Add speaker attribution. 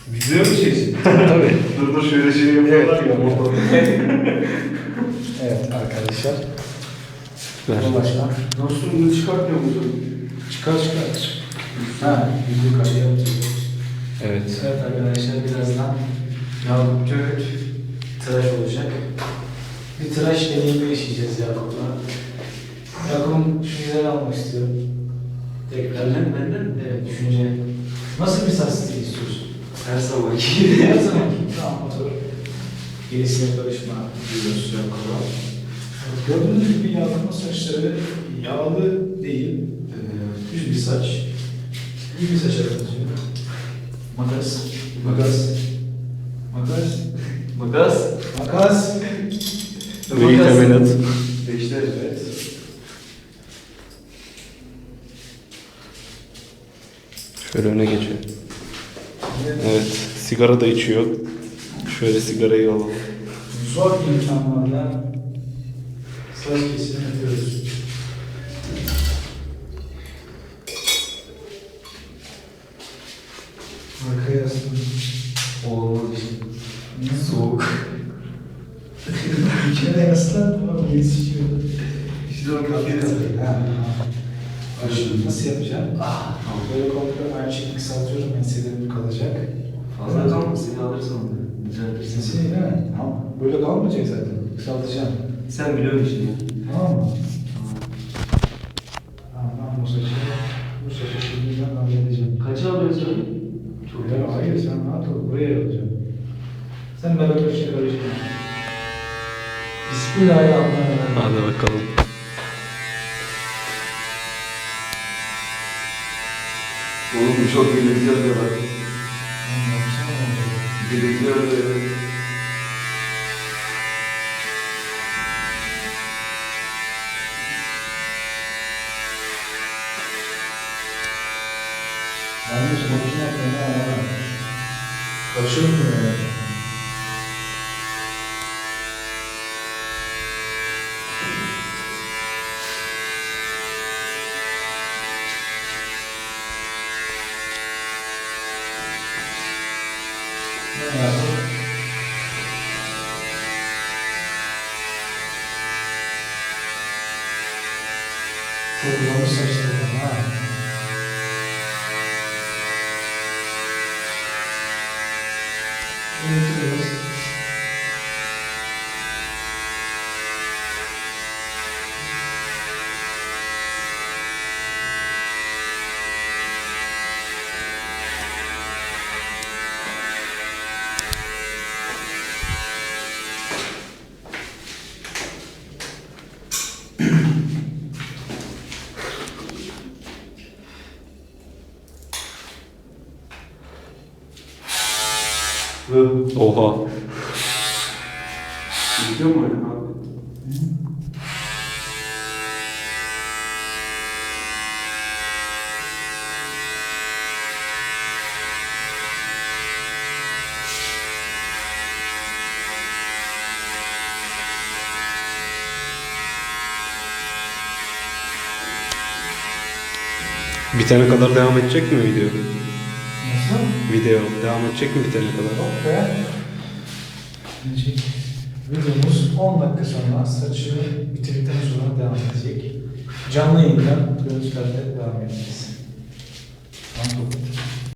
Speaker 1: Video mu çeksin?
Speaker 2: Tabii.
Speaker 1: Dur şöyle şey yapıyorlar ya.
Speaker 2: Evet arkadaşlar.
Speaker 3: Ver.
Speaker 2: Başla.
Speaker 1: Nasıl bunu çıkartmıyor musun?
Speaker 2: Çıkar. Ha, video kaydı yapacağız.
Speaker 3: Evet.
Speaker 2: Evet arkadaşlar birazdan Yakup Türk tıraş olacak. Bir tıraş deneyimi yaşayacağız Yakup'la. Yakup'un düşünceleri almak istiyorum. Tekrar.
Speaker 1: Benden mi?
Speaker 2: Evet, düşünce. Nasıl bir saç stili istiyorsun?
Speaker 1: Her zamanki gibi.
Speaker 2: Her zamanki. Tamam, otur. Gerisine karışma diyoruz Yakup'a. Gördüğünüz gibi Yakup'un saçları yağlı değil. Düz bir saç. İyi bir saça benziyor. Makas.
Speaker 3: Ve teminat.
Speaker 1: Beşler evet.
Speaker 3: Şöyle öne geçiyor. Evet. Sigara da içiyor. Şöyle sigarayı alalım.
Speaker 2: Zor imkanlarla saç kesimi yapıyoruz. Arkaya yaslanın.
Speaker 1: Olmaz işte. Soğuk.
Speaker 2: İçine yaslan ama yetişiyor.
Speaker 1: İşte o kafayı da
Speaker 2: Başını nasıl yapacağım? Böyle kontrol aynı şekilde kısaltıyorum. Enselerim kalacak.
Speaker 1: Fazla kalma seni alırsan onu. Düzeltirsin.
Speaker 2: Sesini değil mi? Tamam. Böyle kalmayacak zaten. Kısaltacağım.
Speaker 1: Sen biliyorsun işini ya.
Speaker 2: Tamam mı? Tamam. Ben bu saçı şimdi ben halledeceğim.
Speaker 1: Kaça alıyorsun? Çok
Speaker 2: Ya hayır sen rahat ol. Buraya alacağım. Sen beraber şey karışma. Bismillahirrahmanirrahim.
Speaker 3: Hadi bakalım.
Speaker 1: Oğlum çok belirtiyor diyorlar. Belirtiyor diyorlar.
Speaker 2: Yanlış makine fena ama. Kaçırmıyor ya. Ne yapalım? Toplamış saçlarım ha. Unutulmaz.
Speaker 3: Oha.
Speaker 1: Biliyor musun abi?
Speaker 3: Bitene kadar devam edecek mi video?
Speaker 2: Nasıl?
Speaker 3: Video devam edecek mi bitene kadar?
Speaker 2: Yok be. Gelecek. Videomuz 10 dakika sonra saçını bitirdikten sonra devam edecek. Canlı yayından görüntülerle devam edeceğiz. Tamam.